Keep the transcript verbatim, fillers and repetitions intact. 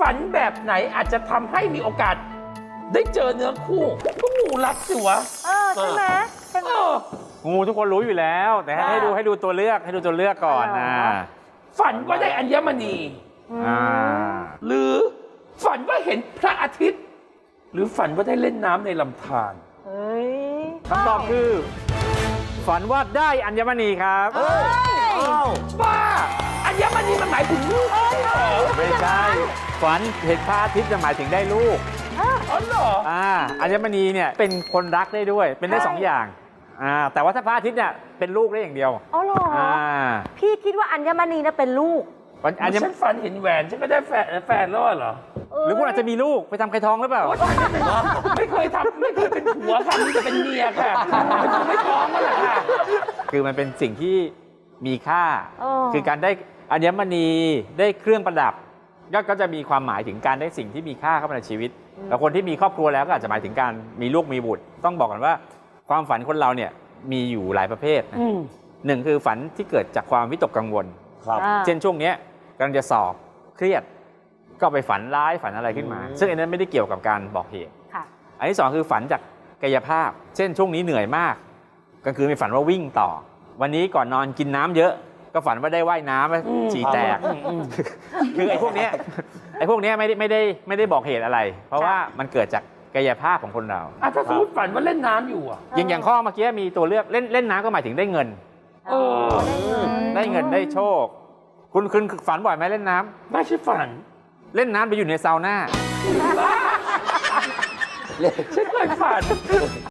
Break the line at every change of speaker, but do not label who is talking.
ฝันแบบไหนอาจจะทำให้มีโอกาส ได้เจอเนื้อคู่ก็งูรัดสิวะ
เออใช่ไหมใช่ไหม
เออ
งูทุกคนรู้อยู่แล้ว แต่ให้
อ่า
ให้ดูให้ดูตัวเลือกให้ดูตัวเลือกก่อน
อ๋อ
นะ
ฝันว่าได้อัญมณี
อ่า
หรือฝันว่าเห็นพระอาทิตย์ หรือฝันว่าได้เล่นน้ำในลำธาร
เฮ้ย
คำตอบคือ ฝันว่าได้อัญมณีครับ
เฮ้ย
บ้าอัญมณีมันหมายถึงลูกเหรอ
ไม่ใช่ฝันเห็นพระอาทิตย์จะหมายถึงได้ลูก
อ๋อเหรอ
อ่าอัญมณีเนี่ยเป็นคนรักได้ด้วยเป็นได้สองอย่างอ่าแต่ว่าถ้าพระอาทิตย์เนี่ยเป็นลูกได้อย่างเดียว
อ๋อเหรอ
อ่า
พี่คิดว่าอัญมณีน่ะเป็นลูก
วันอัญม
ฉันฝันเห็นแหวนฉันก็ได้แฟนแฟนแล้วเหรอ
หรือคุณอาจจะมีลูกไปทำไข่ทองหรือเปล่า
โอ๊ยไม่เคยทำไม่เคยเป็นผัวค่ะนี่จะเป็นเมียค่ะไม่คงไม่ท้องแล้วล่ะค่ะ
คือมันเป็นสิ่งที่มีค่า
เออ
คือการได้อัญมณีได้เครื่องประดับก็ก็จะมีความหมายถึงการได้สิ่งที่มีค่าเข้ามาในชีวิตแต่คนที่มีครอบครัวแล้วก็อาจจะหมายถึงการมีลูกมีบุตร ต้องบอกกันว่าความฝันคนเราเนี่ยมีอยู่หลายประเภทนะ
อืม
หนึ่งคือฝันที่เกิดจากความวิตกกังวล
ครับ
อ่า
เช่นช่วงเนี้ยกำลังจะสอบเครียด ก็ไปฝันร้ายฝันอะไรขึ้นมา
อืม
ซึ่งอันนั้นไม่ได้เกี่ยวกับการบอกเหตุ
ค่ะ
อันที่สองคือฝันจากกายภาพ เช่นช่วงนี้เหนื่อยมากกลางคืนมีฝันว่าวิ่งต่อ วันนี้ก่อนนอนกินน้ำเยอะ ก็ฝันว่าได้ว่ายน้ำฉี่แตก คือไอ้พวกเนี้ยไอ้พวกเนี้ยไม่ได้ไม่ได้ไม่ได้บอกเหตุอะไร เพราะว่ามันเกิดจากกายภาพของคนเรา
อ่ะถ้าสมมติฝันว่าเล่นน้ำอยู่อ่ะ
อย่างอย่างข้อเมื่อกี้มีตัวเลือกเล่นเล่นน้ำก็หมายถึงได้เงิน
เออ
ได้เงินได้โชค คุณคุณฝันบ่อยไหมเล่นน้ำ
ไม่ใช่ฝัน
เล่นน้ำไปอยู่ในซาวน่า
ฉันเคยฝัน